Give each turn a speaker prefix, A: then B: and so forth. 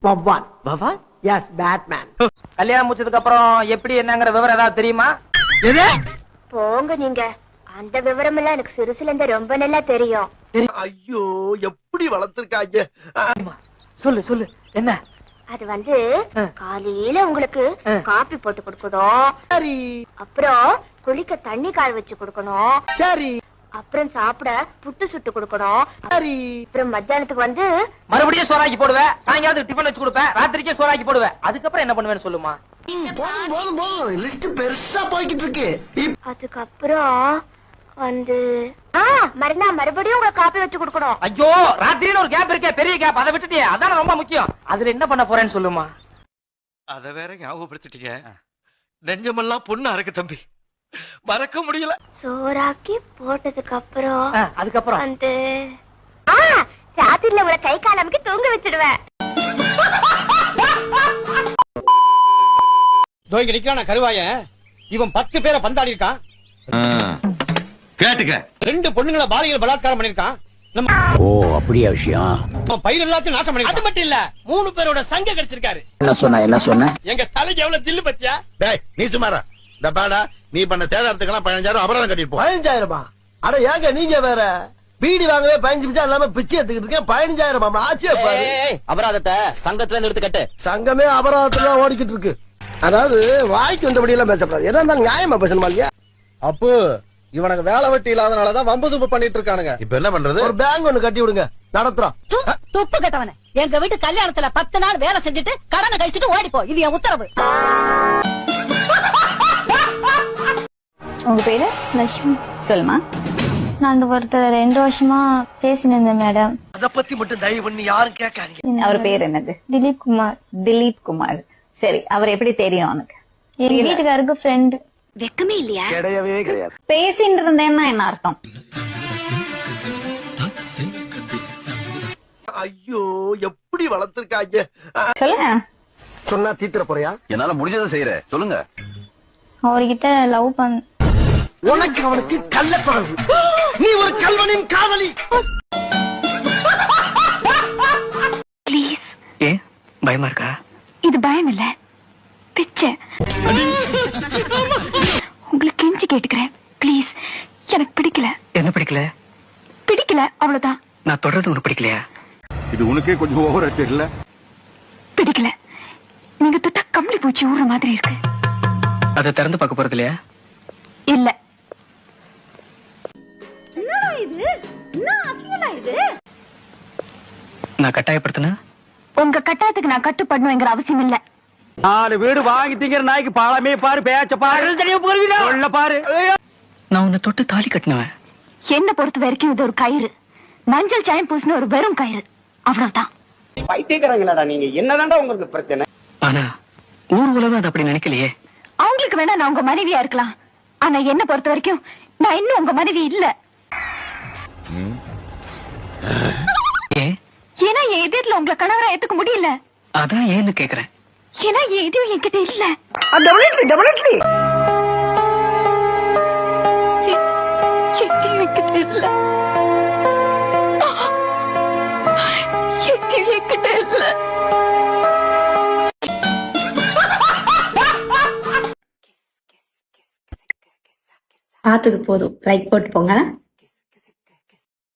A: பவான்.
B: பவான்?
A: Yes, Batman.
B: கல்யாணம் முடிச்சதுக்கு அப்புறம் எப்படி என்னங்கிற விவரம் ஏதாவது தெரியுமா?
A: எது?
C: போங்க நீங்க. அந்த விவரம் எல்லாம் எனக்கு சிறுசுல இருந்து ரொம்ப நல்லா தெரியும்.
D: ஐயோ, எப்படி வளர்த்திருக்காங்க.
B: சொல்லு சொல்லு, என்ன?
C: அது வந்து காலையில உங்களுக்கு காபி போட்டு கொடுக்கணும்.
A: சரி
C: அப்புறம் குளிக்க தண்ணி காய வச்சு கொடுக்கணும்.
A: சரி
C: அப்புறம் சாப்பிட புட்டு சுட்டு கொடுக்கணும்.
A: சரி.
C: அப்புறம் மத்தியானத்துக்கு வந்து
B: மறுபடியும் சோறாக்கி போடுவேன், சாயங்காலத்துக்கு டிஃபன் வச்சு கொடுப்பேன், ராத்திரிக்கே சோறாக்கி போடுவேன். அதுக்கப்புறம் என்ன பண்ணுவேன்னு சொல்லுமா?
D: லிஸ்ட் பெருசா போய்கிட்டு இருக்கு.
C: அதுக்கப்புறம் வந்து மறுபடியும் உங்களுக்கு காபி வச்சு கொடுக்கணும்.
B: ஐயோ, ராத்திரியில ஒரு கேப் இருக்கே, பெரிய கேப், அதை விட்டுட்டியே. அதான் ரொம்ப முக்கியம். அதுல என்ன பண்ண போறேன்னு சொல்லுமா?
D: அத வேற ஞாபகப்படுத்திட்டீங்க. நெஞ்சமெல்லாம் பொண்ணா இருக்கு தம்பி, மறக்க முடியல.
C: சோறாக்கி போட்டதுக்கு அப்புறம்
B: அதுக்கப்புறம்
C: வந்து ராத்திரில உங்களை கை காலமுக்கு தூங்க வச்சிடுவேன்.
E: இங்க நிக்கிறான கருவாய, இவன் 10 பேரை பந்தாடி இருக்கான்.
D: கேட்டுக்க.
E: 2 பொண்ணுங்களை பாலியல் பலாத்காரம் பண்ணிருக்கான்.
F: ஓ, அப்படியா விஷயம்?
E: பயிர் எல்லாத்தையும் நாசம் பண்ணி.
G: அது மட்டும் இல்ல, 3 பேரோட சங்க கிடைச்சிருக்காரு.
F: என்ன சொன்ன?
G: எங்க தலைக்கு எவ்வளவு தில்லு பத்தியா?
D: டேய், நீ சுமாரா. இந்த பாடா, நீ பண்ண சேதாரத்துக்கெல்லாம் 15,000 அபராதம் கட்டிட்டு போ.
A: 15,000? அட ஏங்க நீங்க வேற, பீடி வாங்கவே 15 நிமிஷம் இல்லாம பிச்சை எடுத்துக்கிட்டு இருக்கேன். 15,000 ஆச்சே பாரு.
F: அபராதத்தை சங்கத்துல நிறுத்து கட்டு.
A: சங்கமே அபராதத்துல ஓடிக்கிட்டு இருக்கு. அதாவது வாய்க்கு வந்தபடி எல்லாம் பேசப்படாது. எதா இருந்தாலும் நியாயமா பேசணுமா இல்லையா?
E: அப்போ இவனுக்கு வேலை வெட்டி இல்லாதனாலதான் வம்பு துப்பு பண்ணிட்டு இருக்கானுங்க.
D: இப்ப என்ன பண்றது?
A: ஒரு பேங்க் ஒண்ணு கட்டி விடுங்க, நடத்துறோம்.
H: துப்பு கட்டவன, எங்க வீட்டு கல்யாணத்துல 10 நாள் வேலை செஞ்சுட்டு கடனை கழிச்சுட்டு ஓடிப்போ. இது என் உத்தரவு.
I: உங்க பேரு? லட்சுமி. சொல்லுமா. நான் ஒருத்தர் 2 வருஷமா பேசினேன் மேடம்.
A: அத பத்தி மட்டும் தயவு பண்ணி யாரும் கேட்காதீங்க.
I: அவர் பேர் என்னது? திலீப் குமார். திலீப் குமார். சரி, அவர் எப்படி தெரியும் உனக்கு? எங்க வீட்டுக்காருக்கு ஃப்ரெண்ட்.
C: வெக்கமே இல்லையா?
A: கிடையவே கிடையாது.
I: பேசிட்டு இருந்தேன்னா என்ன அர்த்தம்?
D: ஐயோ, எப்படி வளர்த்திருக்காங்க.
I: சொல்லுங்க.
A: சொன்னா தீத்துற போறியா?
F: என்னால முடிஞ்சதை செய்யற, சொல்லுங்க.
I: அவர்கிட்ட லவ் பண்ண.
A: உனக்கு அவனுக்கு கள்ள தொடர்பு. நீ ஒரு கல்வனின் காதலி.
C: ப்ளீஸ்.
B: ஏன் பயமா இருக்கா?
C: இது பயம் இல்ல, பிச்சை. உங்களுக்கு கெஞ்சி கேட்டுக்கிறேன், ப்ளீஸ். எனக்கு பிடிக்கல.
B: என்ன பிடிக்கல?
C: பிடிக்கல, அவ்வளவுதான்.
B: நான் தொடர்றது உனக்கு பிடிக்கலையா?
D: இது உனக்கே கொஞ்சம் ஓவரா தெரியல?
C: பிடிக்கல. நீங்க தொட்டா கம்பளி பூச்சி ஊற மாதிரி இருக்கு.
B: அதை திறந்து பார்க்க போறது இல்லையா?
C: இல்ல.
B: நான் கட்டாயப்படுத்தின
C: உங்க கட்டாயத்துக்கு நான் கட்டுப்படணுங்கிற அவசியம் இல்ல.
G: 4 வீடு வாங்கி திங்கிற நாய்க்கு பாலமே பாரு, பேச்ச பாரு, சொல்ல பாரு.
B: நான் உன்னை தொட்டு தாலி கட்டினவன்.
C: என்ன பொறுத்த வரைக்கும் இது ஒரு கயிறு. மஞ்சள் சாயம் பூசின ஒரு வெறும் கயிறு, அவ்வளவுதான்.
G: பைத்தியக்காரங்களாடா நீங்க. என்னதான்டா உங்களுக்கு பிரச்சனை?
B: ஆனா ஊர் உலகம் அது அப்படி நினைக்கலையே.
C: அவங்களுக்கு வேணா நான் உங்க மனைவியா இருக்கலாம், ஆனா என்ன பொறுத்த வரைக்கும் நான் இன்னும் உங்க மனைவி இல்ல. ஏன்னா என் எதிரில உங்களை கணவரா ஏத்துக்க முடியல.
B: அதான் ஏன்னு கேக்குறேன்.
C: ஏன்னா என் எதுவும் என்கிட்ட இல்ல. என்கிட்ட இல்ல. என்கிட்ட இல்ல.
I: பார்த்தது போதும், லைக் போட்டு போங்க.